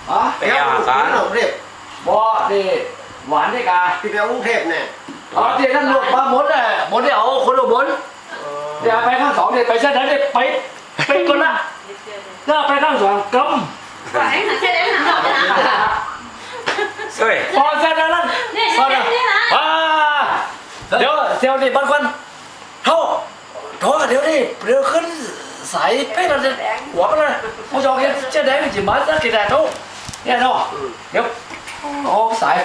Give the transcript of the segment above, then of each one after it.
ไปเอาการหลงเรียบบ่ดิหวานได้กาพี่ไปเอากรุงเทพเนี่ยอ๋อที่นั่นลูกมาหมดเลยหมดได้เอาคนละบนเดี๋ยวไปข้างสองเดี๋ยวไปเส้นนั้นเดี๋ยวไปคนละแล้วไปข้างสองกำ Quả anh thằng chơi đấy thằng nào đấy hả? เฮ้ยพอเส้นนั้น Nè, พอ xem แล้ว thế nào? เดี๋ยวเซลล์นี่บางคนเท่าโถเดี๋ยวนี่เดี๋ยวขึ้นสายเป๊ะแล้วหัวมันเลยผู้ชมเห็นเจ๊แดงมันจะมาสักกี่แดดทุกเนี่ยเนาะเดี๋ยวโอ้สาย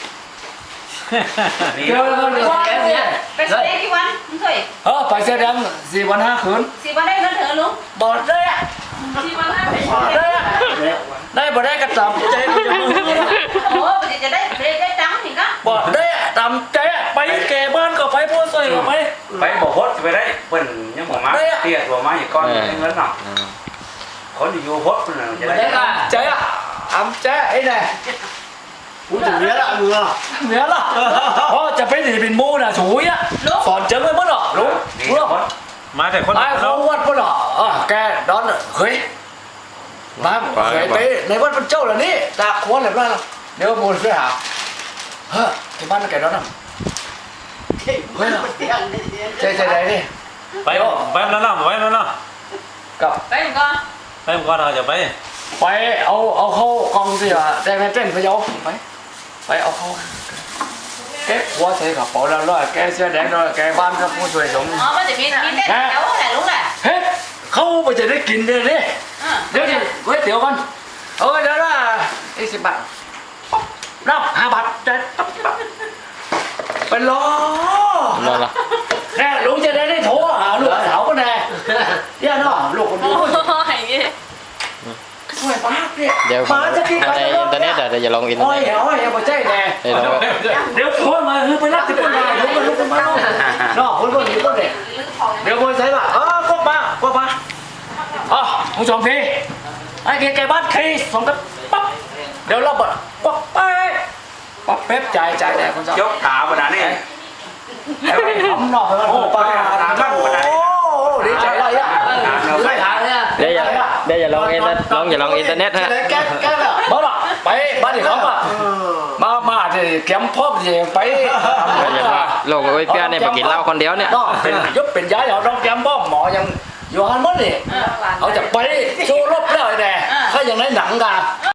เดี๋ยว Qua kìa, phải xe đấy cái quan, không thôi. ไปเสื้อแดง4 วัน 5 คืน Xì qua đây nó thở luôn. บอดได้อะ Xì qua đây phải บอด xe ได้ đấy. อะได้บอดได้กระตำใจมันจะมือ Ủa, bây giờ đây, đây trắng thì có. บอดได้อะตำใจอะไปแก่บ้านก็ไปพูดสวยก็ไปไปบอกพดไปได้เปิ้นยังบอกมาเตี้ยตัวมาอย่างก้อนเงินเนาะคนอยู่พดเปิ้นจะได้ได้อะใจอะตำใจไอ้เนี่ยกูถึงเนี้ยละมึงอ่ะเหนือละเพราะจะไปหนีเป็นมูน่ะฉุยอะสอนเจอไม่หมดหรอกรู้นี่รู้พดมาแต่คนมาเขาวัดหมดหรอแกดอนเฮ้ยมาเคยไปในวัดพระเจ้าเหล่านี้ตาควรเลยว่าเดี๋ยวมูลไปหาเฮ้ยที่บ้านแกดอนน่ะเฮ้ยมันเตี้ยงนี่ใจไหนดิไปแล้วเนาะไปแล้วเนาะกับ Đây một con. ไปก่อนเราจะไปไปเอาเข้ากองสิอ่ะแต่ไม่เต้นพะเยาไปเอาเข้าแกหัวใส่กระเป๋าแล้วร้อยแกเสื้อแดงร้อยแกบ้านก็ผู้ช่วยสม Ủa, bây giờ mình tết cháu này đúng rồi. เฮ้ยเขาไปจะได้กินเลยนี่ Ừ. เดี๋ยวก๋วยเตี๋ยวกันเดี๋ยวนะ10 บาทนับ5 บาทใจเป็นล้อรอละแน่ลุงจะได้โทรหาลูกสาวก็แน่ย่าน้อลูกคนนี้ Ôi, ghê. ช่วยป้าเนี่ยเดี๋ยวมาจะกินในอินเทอร์เน็ตเดี๋ยวจะลงอินเทอโอ้ร์ยเน็ตโอ้ยอย่าไปใจแน่เดี๋ยวลงเดี๋ยวโทรมาไปรับที่คนมาลุกมาน้อคนคนอยู่ก็เด็กเดี๋ยวคนใส่ป่ะก็มาผู้ชมพี่ไอ้แกบ้านคีส่งกันปั๊บเดี๋ยวเราเปิดปั๊บไปปั๊บเป๊ปจ่ายแน่คนชอบยกขาบนนั้นนี่ทำหน่อยมันโอ้ป้าโอ้ดีใจอะไรอ่ะไม่หาเนี่ยเดี๋ยวอย่าลงอินเทอร์อย่าลงอินเทอร์เน็ตฮะแกละบ้าหรอไปบ้านที่เขาอ่ะมาที่แคมป์พ่อที่ไปโลกไอ้เพื่อนเนี่ยมากินเหล้าคนเดียวเนี่ยเป็นยศเป็นย้ายเอาต้องแคมป์พ่อหมอยังอยู่ฮันมั้งนี่ Ừ, เอาจะไปโชว์รบแล้วไอ้แน่ถ้าอย่างไรหนังกัน Ừ.